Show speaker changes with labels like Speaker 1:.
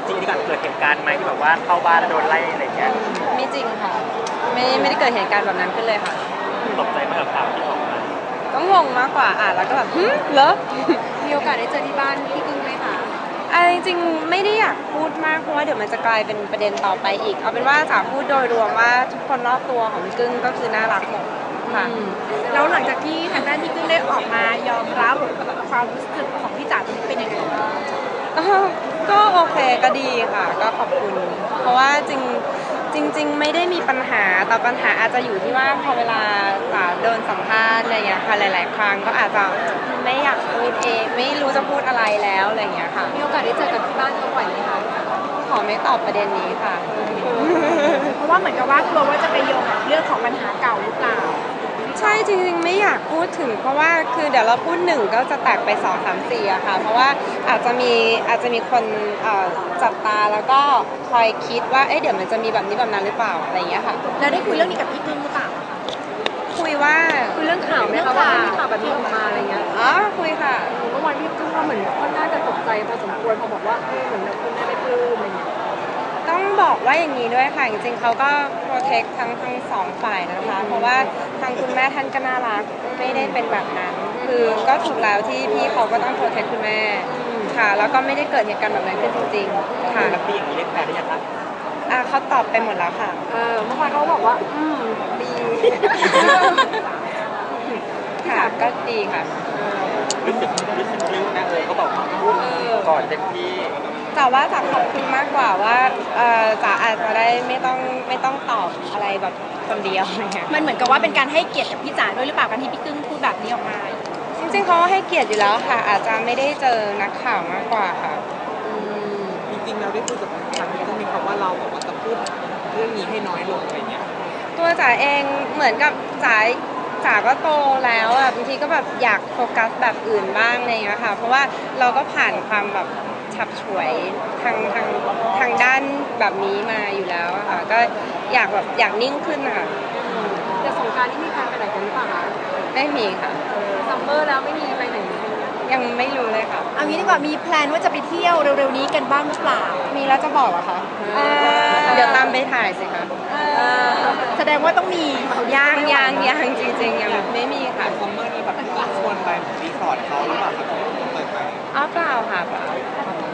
Speaker 1: จริงที่ก่อนเกิดเหตุการณ์ไหมที่แบบว่าเข้าบ้านแล้วโดนไล่อะไรเงี้ย
Speaker 2: ไม่จริงค่ะไม่ได้เกิดเหตุการณ์แบบนั้นขึ้นเลยค่ะ
Speaker 1: ตกใจมากกับข่าวที่ออกมา
Speaker 2: ก็งงมากกว่าแล้วก็แบบเหรอ
Speaker 3: มีโอกาสได้เจอที่บ้านพี่กึ้งไหมคะ
Speaker 2: จริงๆไม่ได้อยากพูดมากเพราะว่าเดี๋ยวมันจะกลายเป็นประเด็นต่อไปอีกเอาเป็นว่าจ๋าพูดโดยรวมว่าทุกคนรอบตัวของพี่กึ้งก็คือน่ารักหมดค่ะ
Speaker 3: แล้วหลังจากที่ทางด้านพี่กึ้งได้ออกมายอมรับความรู้สึกของพี่จ๋าตรงนี้เป็นยังไงบ้าง
Speaker 2: ก็โอเคก็ดีค่ะก็ขอบคุณเพราะว่าจริงไม่ได้มีปัญหาแต่ปัญหาอาจจะอยู่ที่ว่าพอเวลาจ๋าโดนสัมภาษณ์อะไรอย่างเงี้ยค่ะหลายๆครั้งก็อาจจะไม่อยากพูดเองไม่รู้จะพูดอะไรแล้วอะไรอย่างเงี้ยค่ะ
Speaker 3: มีโอกาสได้เจอกับที่บ้านเขาบ่อยไหมคะ
Speaker 2: ขอไม่ตอบประเด็นนี้ค่ะ
Speaker 3: เพราะว่าเหมือนกับว่ากลัวว่าจะไปโยงกับเรื่องของปัญหาเก่าหรือเปล่า
Speaker 2: ใช่จริงๆไม่อยากพูดถึงเพราะว่าคือเดี๋ยวเราพูด1ก็จะแตกไป2 3 4อะค่ะเพราะว่าอาจจะมีคนจับตาแล้วก็คอยคิดว่าเดี๋ยวมันจะมีแบบนี้แบบนั้นหรือเปล่าอะไรอย่างเงี้ยค่ะ
Speaker 3: แล้วได้คุยเรื่องนี้กับพี่กึ้งหรือเปล่า
Speaker 2: คุย
Speaker 3: เรื่องข่าวไหมคะว่ามีข่าวแบบนี้ออกมาอะไรเงี้ย
Speaker 2: คุยค่ะ
Speaker 3: เมื่อวานพี่กึ้งว่าเหมือนค่อนข้างจะตกใจพอสมควรพอบอกว่าเหมือนคุณแม่ไม่ปลื้มอะไรเงี้ย
Speaker 2: ต้องบอกว่าอย่างนี้ด้วยค่ะจริงๆเขาก็โปรเทคทั้ง2 ฝ่ายนะคะเพราะว่าทางคุณแม่ท่านก็น่ารักไม่ได้เป็นแบบนั้นคือก็ถูกแล้วที่พี่เขาก็ต้องโปรเทคคุณแม่ค่ะแล้วก็ไม่ได้เกิดเหตุการณ์แบบนั้นขึ้นจริงๆค่ะ
Speaker 1: แล้วพี่อย่างนี้เรียกแฟนได้ยังคะ
Speaker 2: เขาตอบไปหมดแล้วค่ะ
Speaker 3: เมื่อวานเขาบอกว่าดี
Speaker 2: ค่ะก็ดีค่ะ
Speaker 1: รู้สึกลึกนะเขาบอกพูดก่อนเต็มที่
Speaker 2: แต่ว่าจ๋าขอบคุณมากกว่าว่าจ๋าอาจจะได้ไม่ต้องตอบอะไรแบบคนเดียวอะไรเงี้ย
Speaker 3: มันเหมือนกับว่าเป็นการให้เกียรติกับพี่จ๋าด้วยหรือเปล่าการที่พี่กึ้งพูดแบบนี้ออกมา
Speaker 2: จริงๆเขาให้เกียรติอยู่แล้วค่ะอาจจะไม่ได้เจอนักข่าวมากกว่าค่ะ
Speaker 1: จริงๆเราได้พูดกับทางพี่กึ้งมีคำว่าเราบอกว่าจะพูดเรื่องนี้ให้น้อยลงอะไรเงี้ย
Speaker 2: ตัวจ๋าเองเหมือนกับจ๋าก็โตแล้วบางทีก็แบบอยากโฟกัสแบบอื่นบ้างอะไรเงี้ยค่ะเพราะว่าเราก็ผ่านความแบบฉับฉวยทางด้านแบบนี้มาอยู่แล้วค่ะก็อยากนิ่งขึ้นค่ะ
Speaker 3: แต่สงกรานต์นี่มีแพลนไปไหนกันหรือเปล่าคะ
Speaker 2: ไม่มีค่ะ
Speaker 3: ซัมเมอร์แล้วไม่มีไปไหน
Speaker 2: ยังไม่รู้เลยค่ะ
Speaker 3: เอางี้ดีกว่ามีแพลนว่าจะไปเที่ยวเร็วๆนี้กันบ้างหรือเปล่า
Speaker 2: มีแล้วจะบอกเหรอคะเดี๋ยวตามไปถ่ายสิคะ
Speaker 3: แสดงว่าต้องมี
Speaker 2: ยังจริงๆยังไม่มีค่ะ
Speaker 1: ซัมเมอร์นี้แบบชวนไปรีสอร์ทเขาหรือเปล่าครับเปิดไป
Speaker 2: เปล่าค่ะเปล่า